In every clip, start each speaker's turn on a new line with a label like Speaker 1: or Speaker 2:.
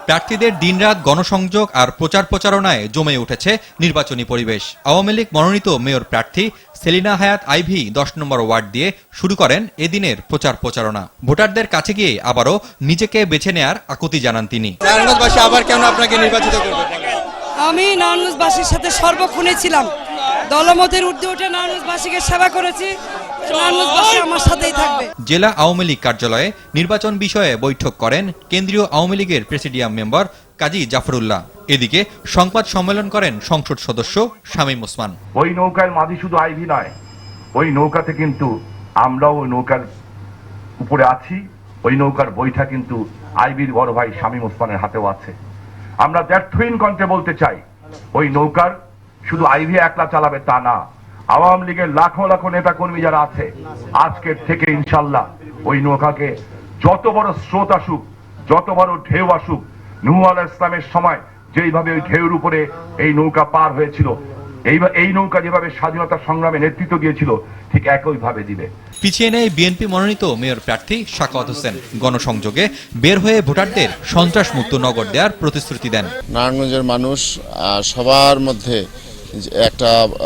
Speaker 1: প্রার্থীদের দিনরাত গণসংযোগ আর প্রচার প্রচারণায় জমে উঠেছে নির্বাচনী পরিবেশ। আওয়ামী লীগ মনোনীত মেয়র প্রার্থী সেলিনা হায়াৎ আইভী 10 নম্বর ওয়ার্ড দিয়ে শুরু করেন এদিনের প্রচার প্রচারণা। ভোটারদের কাছে গিয়ে আবারও নিজেকে বেছে নেয়ার আকুতি জানান তিনি।
Speaker 2: নারায়ণগঞ্জবাসী আবার কেন আপনাকে নির্বাচিত করবে?
Speaker 3: আমি নারায়ণগঞ্জবাসীর সাথে সর্বক্ষণে ছিলাম, দলমতের ঊর্ধ্বে উঠে নারায়ণগঞ্জবাসীকে সেবা করেছি, নারায়ণগঞ্জবাসী আমার সাথেই থাকবে।
Speaker 1: জেলা আওয়ামী লীগ কার্যালয়ে নির্বাচন বিষয়ে বৈঠক করেন কেন্দ্রীয় আওয়ামী লীগের প্রেসিডিয়াম মেম্বার কাজী জাফরুল্লাহ। এদিকে সংবাদ সম্মেলন করেন সংসদ সদস্য শামীম ওসমান।
Speaker 4: ওই নৌকার মাঝি শুধু আইভী নয়, ওই নৌকাতে কিন্তু আমরাও ওই নৌকার উপরে আছি। ওই নৌকার বইটা কিন্তু আইভীর বড় ভাই শামীম ওসমানের হাতেও আছে। আমরা ব্যর্থহীন কণ্ঠে বলতে চাই, ওই নৌকার শুধু আইভী একলা চালাবে তা না, আওয়ামী লীগের লাখো লাখো নেতা কর্মী যারা আছে, আজকের থেকে ইনশাল্লাহ ওই নৌকাকে যত বড় স্রোত আসুক, যত বড় ঢেউ আসুক, নূহ আলাইহিস সালামের সময় যেইভাবে ওই ঢেউর উপরে এই নৌকা পার হয়েছিল, এই নৌকা যেভাবে স্বাধীনতা সংগ্রামে নেতৃত্ব দিয়েছিল, ঠিক একইভাবে দিবে।
Speaker 1: পিছিয়ে নেই বিএনপি মনোনীত মেয়র প্রার্থী সাখাওয়াত হোসেন। গণসংযোগে বের হয়ে ভোটারদের সন্ত্রাসমুক্ত নগর দেওয়ার প্রতিশ্রুতি দেন।
Speaker 5: নারায়ণগঞ্জের মানুষ সবার মধ্যে একটা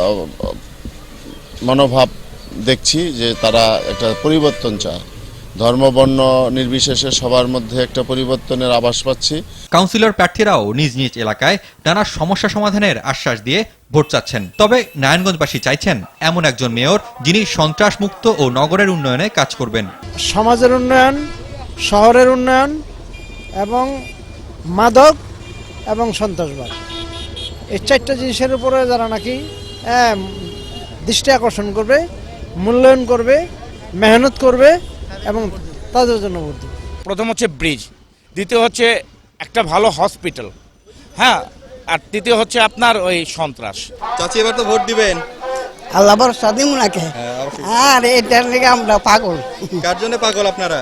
Speaker 5: মনোভাব দেখছি যে তারা একটা পরিবর্তন চায়, ধর্ম বর্ণ নির্বিশেষে সবার মধ্যে একটা পরিবর্তনের আভাস পাচ্ছি।
Speaker 1: কাউন্সিলর প্রার্থীরাও নিজ নিজ এলাকায় নানা সমস্যা সমাধানের আশ্বাস দিয়ে ভোট চাচ্ছেন। তবে নারায়ণগঞ্জবাসী চাইছেন এমন একজন মেয়র যিনি সন্ত্রাসমুক্ত ও নগরের উন্নয়নে কাজ করবেন।
Speaker 6: সমাজের উন্নয়ন, শহরের উন্নয়ন এবং মাদক এবং সন্ত্রাসবাদ, এই চারটা জিনিসের উপরে যারা নাকি দৃষ্টি আকর্ষণ করবে, মূল্যায়ন করবে, মেহনত করবে এবং তাদের জন্য ভোট দেবে।
Speaker 7: প্রথম হচ্ছে ব্রিজ, দ্বিতীয় হচ্ছে একটা ভালো হসপিটাল, হ্যাঁ, আর তৃতীয় হচ্ছে আপনার ওই সন্ত্রাস।
Speaker 2: চাচি এবার তো ভোট দিবেন?
Speaker 8: আল্লাহ ভরসা দিব নাকি? আর এটার লেগে আমরা পাগল।
Speaker 2: কার জন্য পাগল আপনারা?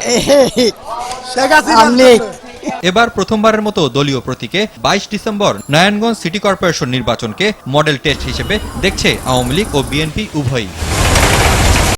Speaker 1: এবার প্রথমবারের মতো দলীয় প্রতীকে 22 ডিসেম্বর নারায়ণগঞ্জ সিটি কর্পোরেশন নির্বাচনকে মডেল টেস্ট হিসেবে দেখছে আওয়ামী লীগ ও বিএনপি উভয়ই।